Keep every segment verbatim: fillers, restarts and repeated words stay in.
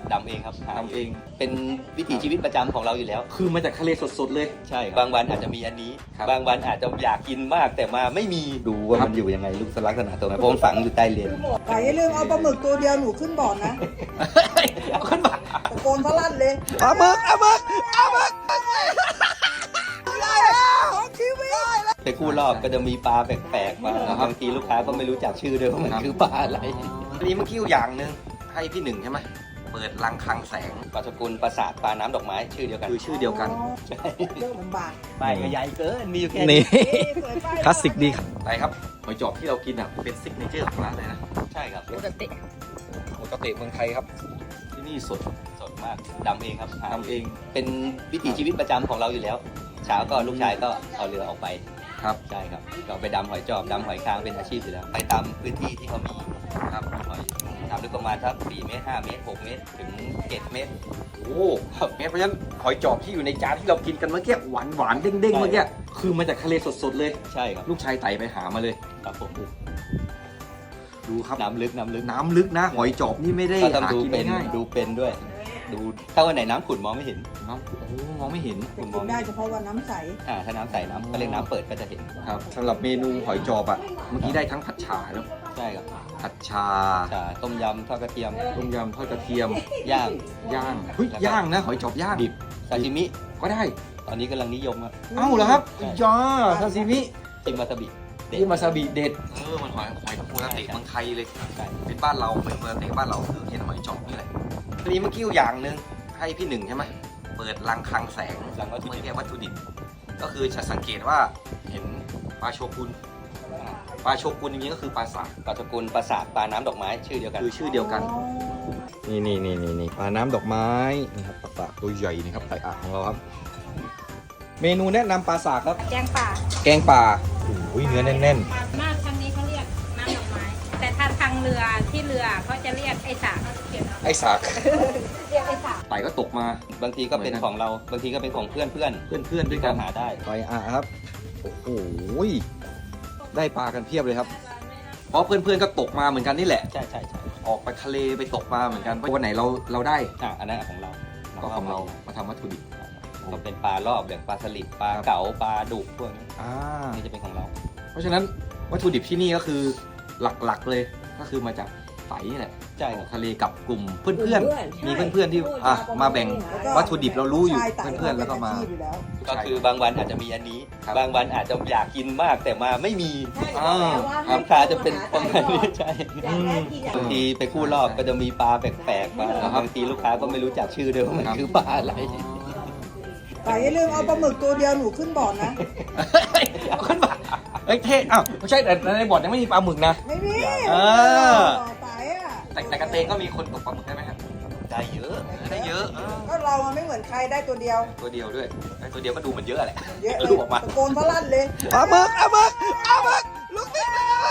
ดำเองครับหาทำเองเป็นวิถีชีวิตประจำของเราอยู่แล้วคือมาจากทะเลสดๆเลยใช่บางวันอาจจะมีอันนี้ครับบางวันอาจจะอยากกินมากแต่มาไม่มีดูว่าครับมันอยู่ยังไงลูกลักษณะตัวไหนเพราะมันฝังอยู่ใต้เลนแต่อย่าลืมเอาปลาหมึกตัวเดียวหนูขึ้นบ่อนะเอาขึ้นมาตะโกนพลั่นเลยปลาหมึกปลาหมึกปลาหมึกได้แล้วของชีวิตไปคู่รอบก็จะมีปลาแปลกๆมาบางทีลูกค้าก็ไม่รู้จักชื่อด้วยว่ามันคือปลาอะไรอันนี้เมื่อกี้อย่างหนึ่งให้พี่หนึ่งใช่ไหมเปิดรังคังแสงปลาสกุลปลาสาทปลาน้ำดอกไม้ชื่อเดียวกันคือชื่อเดียวกันใช่เรื่องลำบากป้ายก็ใหญ่เกินมีอยู่แค่นี่เอ๊ะสวยไปคลาสสิกดีครับไปครับหอยจอบที่เรากินอ่ะเป็นซิกเนเจอร์ของร้านเลยนะใช่ครับปกติเมืองไทยครับ ที่นี่สดสดมากดำเองครับหาทำเองเป็นวิถีชีวิตประจำของเราอยู่แล้ว เช้าก็ลูกชายก็เอาเรือออกไปครับใช่ครับก็ไปดำหอยจอบดำหอยคางเป็นอาชีพอยู่แล้ว ไปตามพื้นที่ที่เขามีครับหอยทำลึกประมาณสักสี่เมตรห้าเมตรหกเมตรถึงเจ็ดเมตรโอ้ครับเพราะฉะนั้นหอยจอบที่อยู่ในจานที่เรากินกันเมื่อกี้หวานหวานๆเด้งๆเมื่อกี้คือมาจากทะเลสดๆเลยใช่ครับลูกชายไต่ไปหามาเลยครับผมดูครับน้ำลึกน้ำลึกน้ำลึกนะ หอยจอบนี่ไม่ได้ก็ต้องหาดูกินเป็นง่ายดูเป็นด้วย ดูถ้าวันไหนน้ำขุ่นมองไม่เห็นน้ำโอ้มองไม่เห็นแต่กินได้เฉพาะวันน้ำใสอ่าถ้าน้ำใสน้ำก็เรียกน้ำเปิดก็จะเห็นครับสำหรับเมนูหอยจอบอ่ะเมื่อกี้ได้ทั้งผัดฉ่าแล้วใช่ครับผัดชาชาต้มยำทอดกระเทียมต้มยำทอดกระเทียมย่างย่างเฮ้ยย่างนะหอยจอบย่างดิบซาชิมิก็ได้ตอนนี้กำลังนิยมครับเอ้าเหรอครับย่าซาซิมิจิมวาซาบิเด็ดที่มาซาบิเด็ดเออมันหอยหอยโคตรเตะเมืองไทยเลยใช่เป็นบ้านเราเป็นเมืองเตะบ้านเราคือเห็นหอยจอบนี่แหละทีนี้เมื่อกี้อย่างหนึ่งให้พี่หนึ่งใช่ไหมเปิดรังคังแสงหลังวัตถุเมื่อดิบกี้วัตถุดิบก็คือจะสังเกตว่าเห็นปลาโชกุนปลาโชกุนจริงๆก็คือปลาสากปลาสกุลปลาสาทปลาน้ำดอกไม้ชื่อเดียวกันคือชื่อเดียวกันนี่นี่นี่นี่นี่ปลาน้ำดอกไม้นี่ครับปลาสากตัวใหญ่นี่ครับไต่อ่างของเราครับ เมนูแนะนำปลาสากครับแกงป่าแกงป่าโอ้ยเนื้อแน่นมากทางนี้เขาเรียกน้ำดอกไม้ แต่ถ้าทางเรือที่เรือเขาจะเรียกไอ้สากเขียนไอ้สากเรียกไอ้สากไต่ก็ตกมาบางทีก็เป็นของเราบางทีก็เป็นของเพื่อนเพื่อนเพื่อนๆด้วยๆกัก็นหาได้ๆไต่อ่างครับ โอ้โหได้ปลากันเพียบเลยครับเพราะเพื่อนๆก็ตกมาเหมือนกันนี่แหละใช่ใช่ใช่ออกไปทะเลไปตกมาเหมือนกันวันไหนเราเราได้อ่ะอันนั้นของเราก็ของเรามาทำวัตถุดิบก็เป็นปลารอบอย่างปลาสลิดปลาเก๋าปลาดุกพวกนี้อ่านี่จะเป็นของเราเพราะฉะนั้นวัตถุดิบที่นี่ก็คือหลักๆเลยก็คือมาจากไต่นี่แหละใช่ครับทะเลกับกลุ่มเพื่อนๆ มีเพื่อนๆที่อ่ะมาแบ่งวัตถุดิบเรารู้อยู่เพื่อนๆแล้วก็มาก็คือบางวันอาจจะมีอันนี้ครับบางวันอาจจะอยากกินมากแต่มาไม่มีอ่าลูกค้าจะเป็นประมาณนี้ใช่อืมบางทีไปคู่รอบก็จะมีปลาแปลกๆมาครับบางทีลูกค้าก็ไม่รู้จักชื่อด้วยว่ามันครับคือปลาอะไรแต่อย่าลืมเอาปลาหมึกตัวเดียวหนูขึ้นบ่อนะเอาขึ้นมาเอ้ยเท่อ้าวไม่ใช่แต่ในบ่อยังไม่มีปลาหมึกนะไม่มีเออไต่อะแต่แต่กระเตงก็มีคนตกปลาหมึกได้ไหมครับได้เยอะได้เยอะเออก็เรามันไม่เหมือนใครได้ตัวเดียวตัวเดียวด้วยได้ตัวเดียวก็ดูเหมือนเยอะแหละเยอะเลลูยกออกมาตะโกนพลั่นเลยปลาหมึกปลาหมึกปลาหมึกลูกนี่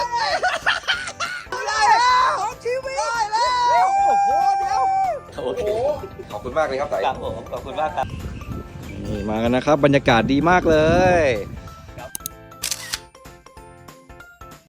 ได้แล้วของชีวิตได้แล้วโอ้โหเดี๋ยวโอเคขอบคุณมากเลยครับไต่ครับผมขอบคุณมากครับนี่มากันนะครับ บรรยากาศดีมากเลย